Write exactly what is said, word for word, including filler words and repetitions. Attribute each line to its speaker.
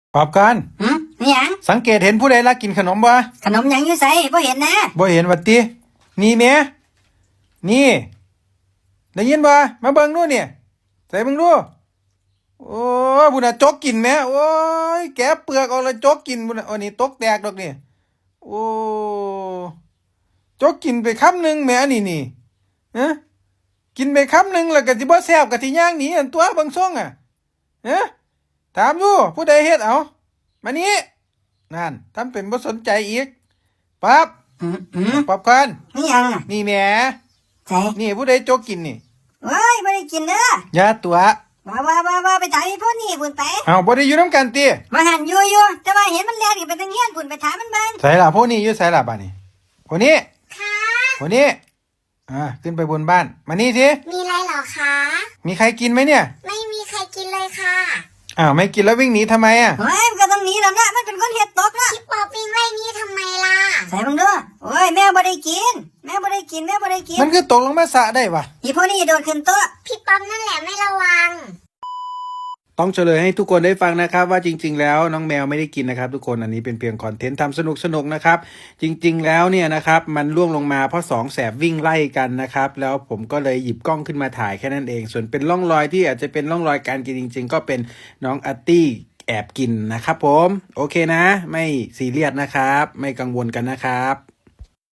Speaker 1: ปอบกัน
Speaker 2: หืมนี่หยัง
Speaker 1: สังเกตเห็นผู้ใดลักกินขนมบ่
Speaker 2: ขนมหยังอยู่ไสบ่เห็นนะ
Speaker 1: บ่เห็นวัดตินี่แม่นี่ได้ยินบ่มาเบิ่งดูนี่ใส่เบิ่งดูโอ้บุญน่ะจกกินแม่โอ้ยแกะเปลือกออกแล้วจกกินบุญน่ะอันนี้ตกแตกดอกนี่โอ้จกกินไปคำหนึงแม่นี่นี่ฮะกินไปคำหนึงแล้วก็สิบ่แซ่บก็สิย่างหนีอันตัวเบิ่งทรงอ่ะฮะถามดูผู้ใดเฮ็ดเอามานี่นั่นทำเป็นบ่สนใจอีกปั๊บ
Speaker 2: หืมหืม
Speaker 1: ป๊อบก่อน
Speaker 2: นี่หยังน่ะ
Speaker 1: นี่แหม
Speaker 2: ไส
Speaker 1: นี่ผู้ใดจกกินนี่
Speaker 2: เว้ยบ่ได้กินเด้
Speaker 1: อย่าตัว
Speaker 2: อว่าว่าว่าว่าไปถามอีพวกนี้พุ่นไป
Speaker 1: เอ้าบ่ได้อยู่นำกันติ
Speaker 2: ว่าหันอยู่อยู่แต่ว่าเห็นมันแล่นขึ้นไปทางเฮียนพุ่นไปถามมันเบิ่ง
Speaker 1: ไสล่ะพวกนี้อยู่ไสล่ะบัดนี้พวกนี้
Speaker 3: ค่ะ
Speaker 1: พวกนี้อ่าขึ้นไปบนบ้านมานี่สิ
Speaker 3: มีอะไรเหรอคะ
Speaker 1: มีใครกินไหมเนี่ย
Speaker 3: ไม่มีใครกินเลยค่ะ
Speaker 1: อ้าวไม่กินแล้ววิ่งหนีทำไมอ่ะ
Speaker 2: เฮ้ยมันก็ต้องหนีแล้วนะมันเป็นคนเฮ็ดตกนะ
Speaker 3: พี่ป๊อปวิ่งไล่นี่ทำไมล่ะ
Speaker 2: ใส่เบิ่งดูโอ้ยแม่บ่ได้กินแม่บ่ได้กินแม่บ่ได้กิน
Speaker 1: มันคือตกลงมาสระได้วะ
Speaker 2: อีพวกนี้โดดขึ้นโต๊ะ
Speaker 3: พี่ป๊อปนั่นแหละไม่ระวัง
Speaker 1: ต้องเฉลยให้ทุกคนได้ฟังนะครับว่าจริงๆแล้วน้องแมวไม่ได้กินนะครับทุกคนอันนี้เป็นเพียงคอนเทนต์ทำสนุกสนุกนะครับจริงๆแล้วเนี่ยนะครับมันล่วงลงมาเพราะสองแสบวิ่งไล่กันนะครับแล้วผมก็เลยหยิบกล้องขึ้นมาถ่ายแค่นั้นเองส่วนเป็นร่องรอยที่อาจจะเป็นร่องรอยการกินจริงๆก็เป็นน้องอาร์ตี้แอบกินนะครับผมโอเคนะไม่ซีเรียสนะครับไม่กังวลกันนะครับ